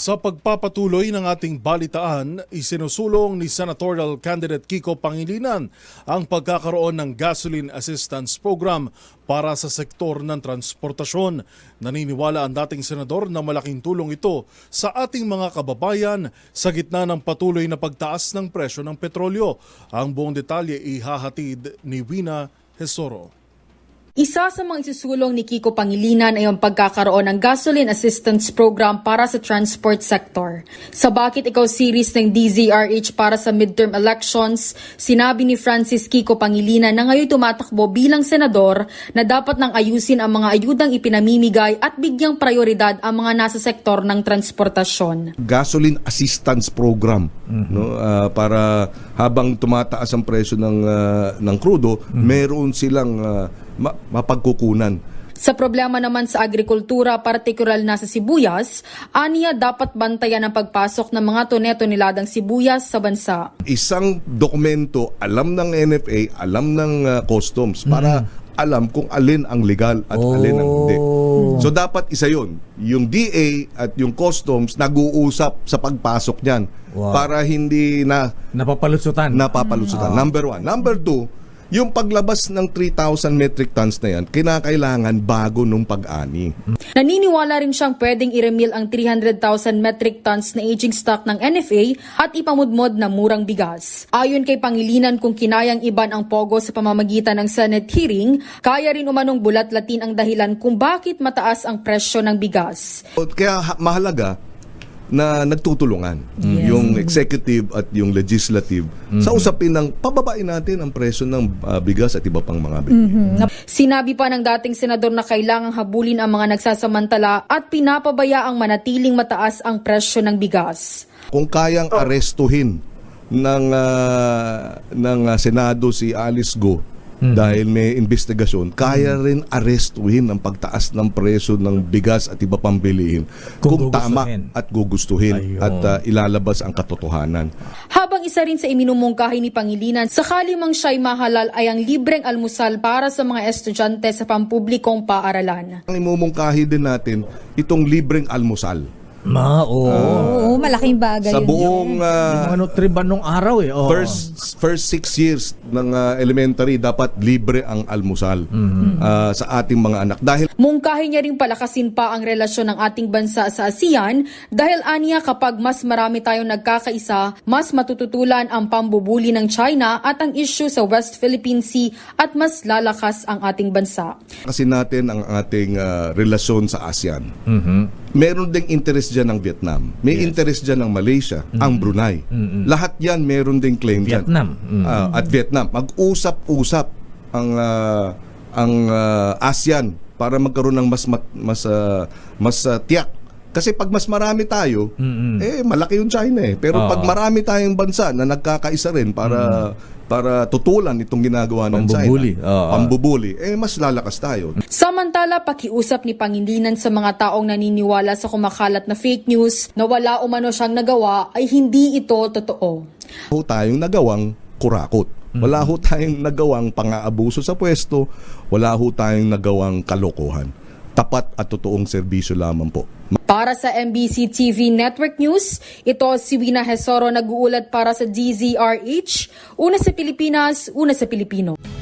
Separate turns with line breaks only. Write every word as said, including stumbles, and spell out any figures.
Sa pagpapatuloy ng ating balitaan, isinusulong ni Senatorial Candidate Kiko Pangilinan ang pagkakaroon ng Gasoline Assistance Program para sa sektor ng transportasyon. Naniniwala ang dating senador na malaking tulong ito sa ating mga kababayan sa gitna ng patuloy na pagtaas ng presyo ng petrolyo. Ang buong detalye ihahatid ni Wina Hesoro.
Isa sa mga isusulong ni Kiko Pangilinan ay ang pagkakaroon ng Gasoline Assistance Program para sa transport sector. Sa Bakit Ikaw series ng D Z R H para sa midterm elections, sinabi ni Francis Kiko Pangilinan na ngayon tumatakbo bilang senador na dapat nang ayusin ang mga ayudang ipinamimigay at bigyang prioridad ang mga nasa sektor ng transportasyon.
Gasoline Assistance Program, mm-hmm. no, uh, para habang tumataas ang presyo ng uh, ng krudo, mm-hmm. meron silang uh, ma- mapagkukunan.
Sa problema naman sa agrikultura, partikular na sa sibuyas, aniya dapat bantayan ang pagpasok ng mga tone-toneladang sibuyas sa bansa.
Isang dokumento, alam ng N F A, alam ng uh, customs, para mm. alam kung alin ang legal at oh. alin ang hindi. So dapat isa yun. Yung D A at yung customs nag-uusap sa pagpasok niyan, wow. para hindi na
napapalusutan.
Napapalusutan. Mm. Number one. Number two, yung paglabas ng three thousand metric tons na yan, kinakailangan bago nung pag-ani.
Naniniwala rin siyang pwedeng i-remil ang three hundred thousand metric tons na aging stock ng N F A at ipamudmod na murang bigas. Ayon kay Pangilinan, kung kinayang iban ang pogo sa pamamagitan ng Senate hearing, kaya rin umanong bulat-latin ang dahilan kung bakit mataas ang presyo ng bigas.
Kaya mahalaga na nagtutulungan yes. yung executive at yung legislative mm-hmm. sa usapin ng pababain natin ang presyo ng uh, bigas at iba pang mga bilihin.
Mm-hmm. Sinabi pa ng dating senador na kailangang habulin ang mga nagsasamantala at pinapabayaang manatiling mataas ang presyo ng bigas.
Kung kayang arestuhin ng uh, ng uh, Senado si Alice Go Hmm. dahil may investigasyon, kaya rin arestuhin ang pagtaas ng presyo ng bigas at iba pang bilihin kung, kung tama at gugustuhin Ayun. at uh, ilalabas ang katotohanan.
Habang isa rin sa iminumungkahi ni Pangilinan, sakali mang siya'y mahalal ay ang libreng almusal para sa mga estudyante sa pampublikong paaralan.
Ang imumungkahi din natin itong libreng almusal.
Ma, oo.
Uh, oo, malaking bagay
sa
yun.
buong uh,
ano triban nung araw eh. Oh.
First first six years ng uh, elementary dapat libre ang almusal mm-hmm. uh, sa ating mga anak. Dahil
mungkahi niya ring palakasin pa ang relasyon ng ating bansa sa ASEAN dahil aniya kapag mas marami tayong nagkakaisa, mas matututulan ang pambubuli ng China at ang issue sa West Philippine Sea at mas lalakas ang ating bansa.
Kasi natin ang ating uh, relasyon sa ASEAN. Mm-hmm. Meron ding interest dyan ng Vietnam. May yes. interest dyan ng Malaysia, mm-hmm. ang Brunei. Mm-hmm. Lahat yan meron ding claim
Vietnam.
dyan. Mm-hmm. Uh, at Vietnam. Mag-usap-usap ang uh, ang uh, ASEAN para magkaroon ng mas mas uh, mas uh, tiyak. Kasi pag mas marami tayo, mm-hmm. eh malaki yung China eh. Pero uh, pag marami tayong bansa na nagkakaisa rin para mm-hmm. para tutulan itong ginagawa ng
pambubuli.
China,
uh,
pambubuli, eh mas lalakas tayo.
Samantala, pakiusap ni Pangilinan sa mga taong naniniwala sa kumakalat na fake news na wala umano siyang nagawa ay hindi ito totoo.
Wala ho tayong nagawang kurakot. Wala ho tayong nagawang pang-aabuso sa pwesto. Wala ho tayong nagawang kalokohan. Tapat at totoong serbisyo lamang po.
Para sa M B C T V Network News, ito si Wina Hesoro nag-uulat para sa D Z R H. Una sa Pilipinas, una sa Pilipino.